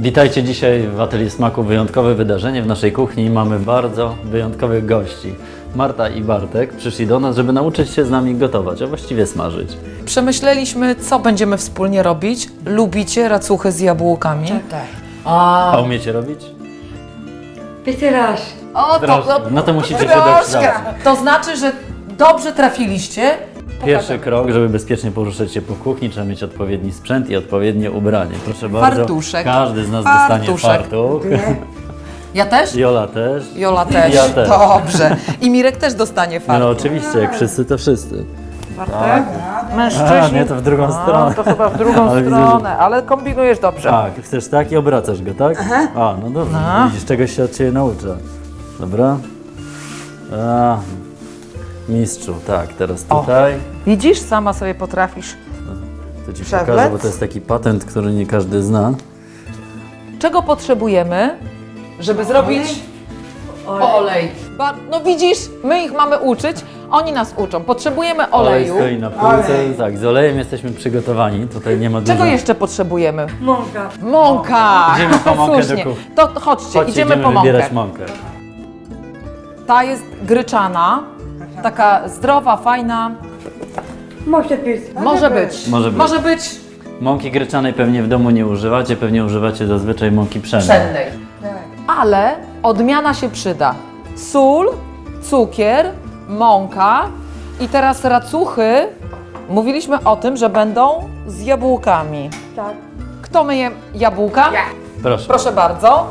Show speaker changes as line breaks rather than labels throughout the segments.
Witajcie dzisiaj w Atelier Smaku. Wyjątkowe wydarzenie w naszej kuchni. Mamy bardzo wyjątkowych gości. Marta i Bartek przyszli do nas, żeby nauczyć się z nami gotować, a właściwie smażyć.
Przemyśleliśmy, co będziemy wspólnie robić. Lubicie racuchy z jabłkami?
Tak.
A umiecie robić?
Pierwszy raz.
O,
No to musicie się
troszkę.
dokształcić.
To znaczy, że dobrze trafiliście.
Pierwszy krok, żeby bezpiecznie poruszać się po kuchni, trzeba mieć odpowiedni sprzęt i odpowiednie ubranie. Proszę bardzo,
Fartuszek.
każdy z nas dostanie fartuch.
Ja też?
Jola też.
Jola też.
Ja też.
Dobrze. I Mirek też dostanie
No
fartuch.
oczywiście, jak wszyscy, to wszyscy.
Bartek?
A,
Mężczyźni.
nie, to w drugą stronę.
To chyba w drugą
Ale widzę,
stronę, ale kombinujesz dobrze.
Tak, chcesz tak i obracasz go, tak?
Aha.
A, no dobrze,
No.
widzisz, czegoś się od Ciebie nauczę. Dobra. A, mistrzu, tak, teraz tutaj.
Widzisz, sama sobie potrafisz.
To Ci
Przewlec.
pokażę, bo to jest taki patent, który nie każdy zna.
Czego potrzebujemy, żeby zrobić olej? No widzisz, my ich mamy uczyć, oni nas uczą. Potrzebujemy oleju.
Olej stoi na półce. Tak, z olejem jesteśmy przygotowani. Tutaj nie ma dużo.
Czego jeszcze potrzebujemy?
Mąka.
Mąka!
Idziemy po mąkę do
Słusznie.
kuchni.
To chodźcie, idziemy po
wybierać
mąkę.
mąkę.
Ta jest gryczana, taka zdrowa, fajna.
Może być.
Może być.
Może być. Mąki gryczanej pewnie w domu nie używacie, pewnie używacie zazwyczaj mąki pszennej.
Pszennej.
Tak.
Ale odmiana się przyda. Sól, cukier, mąka i teraz racuchy. Mówiliśmy o tym, że będą z jabłkami.
Tak.
Kto myje jabłka?
Ja.
Proszę.
Proszę bardzo.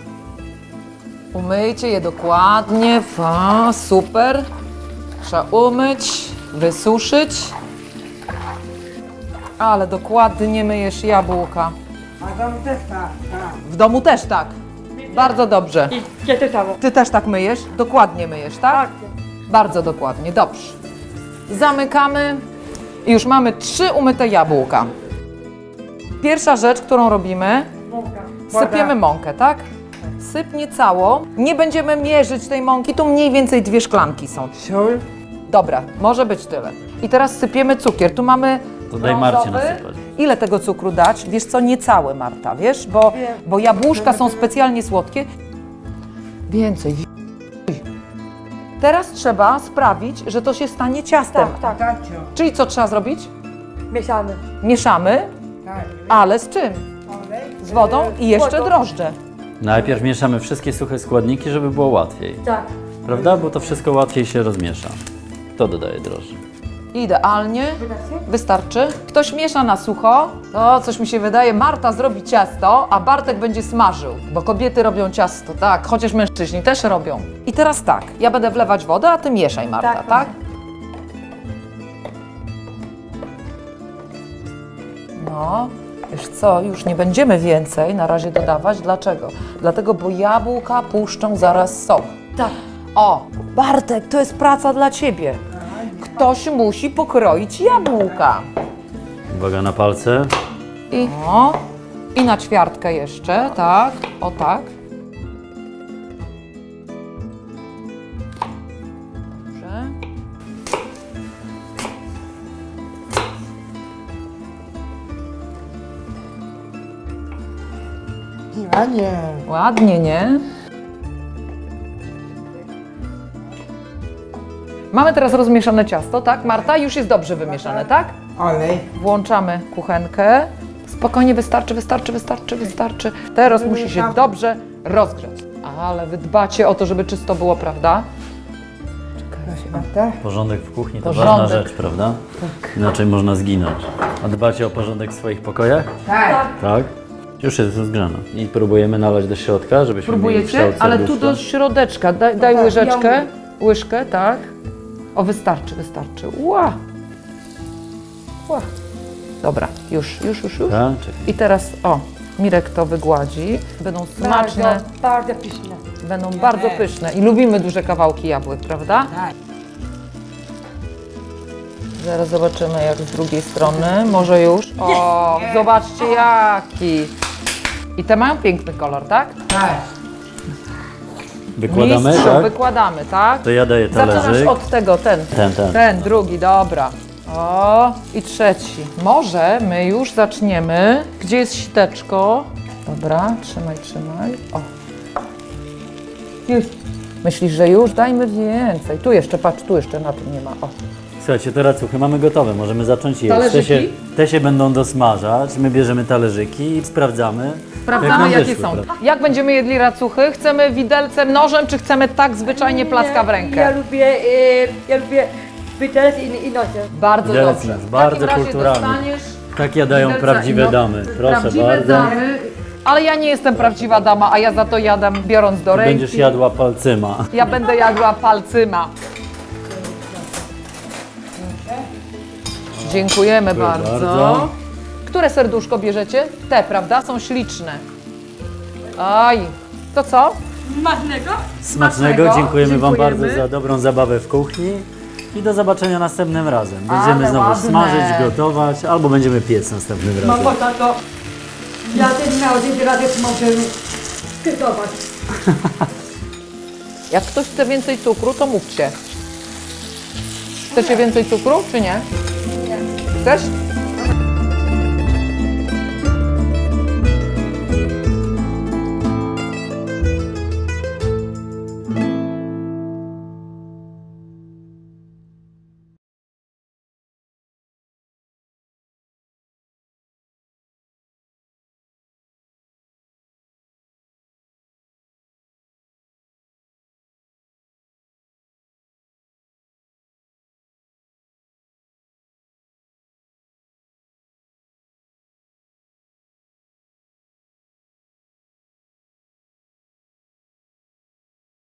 Umyjcie je dokładnie. Super. Trzeba umyć, wysuszyć. Ale dokładnie myjesz jabłka.
A tam też tak.
W domu też tak. Bardzo dobrze.
I gdzie to samo?
Ty też tak myjesz? Dokładnie myjesz, tak?
Tak.
Bardzo dokładnie, dobrze. Zamykamy i już mamy 3 umyte jabłka. Pierwsza rzecz, którą robimy,
Mąka.
sypiemy mąkę, tak? Sypnie cało. Nie będziemy mierzyć tej mąki, tu mniej więcej 2 szklanki są.
Sól.
Dobra, może być tyle. I teraz sypiemy cukier. Tu mamy
To daj Marcie
brązowy.
nasypać.
Ile tego cukru dać? Wiesz co, nie cały, Marta, wiesz? Bo jabłuszka są specjalnie słodkie. Więcej. Teraz trzeba sprawić, że to się stanie ciastem.
Tak, tak.
Czyli co trzeba zrobić?
Mieszamy.
Mieszamy,
Tak.
ale z czym?
Olej.
Z wodą i jeszcze
Wodą.
drożdże.
Najpierw mieszamy wszystkie suche składniki, żeby było łatwiej.
Tak.
Prawda? Bo to wszystko łatwiej się rozmiesza. To dodaje drożdże.
Idealnie.
Wydasy?
Wystarczy. Ktoś miesza na sucho. O, coś mi się wydaje, Marta zrobi ciasto, a Bartek będzie smażył. Bo kobiety robią ciasto, tak, chociaż mężczyźni też robią. I teraz tak, ja będę wlewać wodę, a ty mieszaj, Marta,
Tak,
tak? No, wiesz co, już nie będziemy więcej na razie dodawać. Dlaczego? Dlatego, bo jabłka puszczą zaraz sok.
Tak.
O, Bartek, to jest praca dla ciebie. Ktoś musi pokroić jabłka.
Uwaga na palce.
I na ćwiartkę jeszcze, tak, o tak. Dobrze.
A nie.
Ładnie, nie? Mamy teraz rozmieszane ciasto, tak? Marta, już jest dobrze wymieszane, tak?
Olej.
Włączamy kuchenkę. Spokojnie, wystarczy. Teraz musi się dobrze rozgrzać. Ale wy dbacie o to, żeby czysto było, prawda?
Proszę bardzo.
Porządek w kuchni to
Porządek.
ważna rzecz, prawda? Inaczej można zginąć. A dbacie o porządek w swoich pokojach?
Tak.
Tak. Już jest rozgrzana. I próbujemy nalać do środka, żebyśmy mieli
Próbujecie?
kształt
Ale tu
serduszka.
do środeczka. Daj
tak,
łyżeczkę.
ja
Łyżkę, tak. O, wystarczy. Ła. Dobra, już.
Tak? Czekaj.
I teraz, o, Mirek to wygładzi. Będą smaczne,
Bardzo pyszne.
będą bardzo pyszne. I lubimy duże kawałki jabłek, prawda?
Tak.
Zaraz zobaczymy, jak z drugiej strony. Może już. O, zobaczcie jaki. I te mają piękny kolor, tak?
Tak.
Wykładamy,
Mistrzu,
tak?
wykładamy, tak?
To ja daję
Zaczynasz
talerzyk.
od tego, ten.
Ten.
Drugi, dobra. O, i trzeci. Może my już zaczniemy. Gdzie jest siteczko? Dobra, trzymaj. O.
Już.
Myślisz, że już? Dajmy więcej. Tu jeszcze, patrz, tu jeszcze na tym nie ma. O.
Słuchajcie, to racuchy mamy gotowe, możemy zacząć jeść.
Talerzyki?
Te się będą dosmażać, my bierzemy talerzyki i sprawdzamy, jak
Sprawdzamy,
nam
jakie
wyszły,
są.
prawda?
Jak będziemy jedli racuchy? Chcemy widelcem, nożem, czy chcemy tak zwyczajnie placka w
Ja
rękę?
lubię widelec i nożem.
Bardzo
Widelec
dobrze.
jest bardzo
w takim razie
kulturalny.
dostaniesz
Tak jadają
widelca
prawdziwe
i no-
damy. Proszę
prawdziwe
bardzo.
damy. Ale ja nie jestem prawdziwa dama, a ja za to jadam biorąc do ręki.
Będziesz jadła palcyma.
Ja będę jadła palcyma. Dziękujemy bardzo.
bardzo.
Które serduszko bierzecie? Te, prawda? Są śliczne. Aj, to co?
Smacznego, dziękujemy Wam
Dziękujemy.
bardzo za dobrą zabawę w kuchni i do zobaczenia następnym razem. Będziemy
Ale
znowu
ładne.
smażyć, gotować albo będziemy piec następnym razem.
Mamo, tato, ja ten miał 1 razy możemy gotować.
Jak ktoś chce więcej cukru, to mówcie. Chcecie więcej cukru, czy nie? Nie. Chcesz?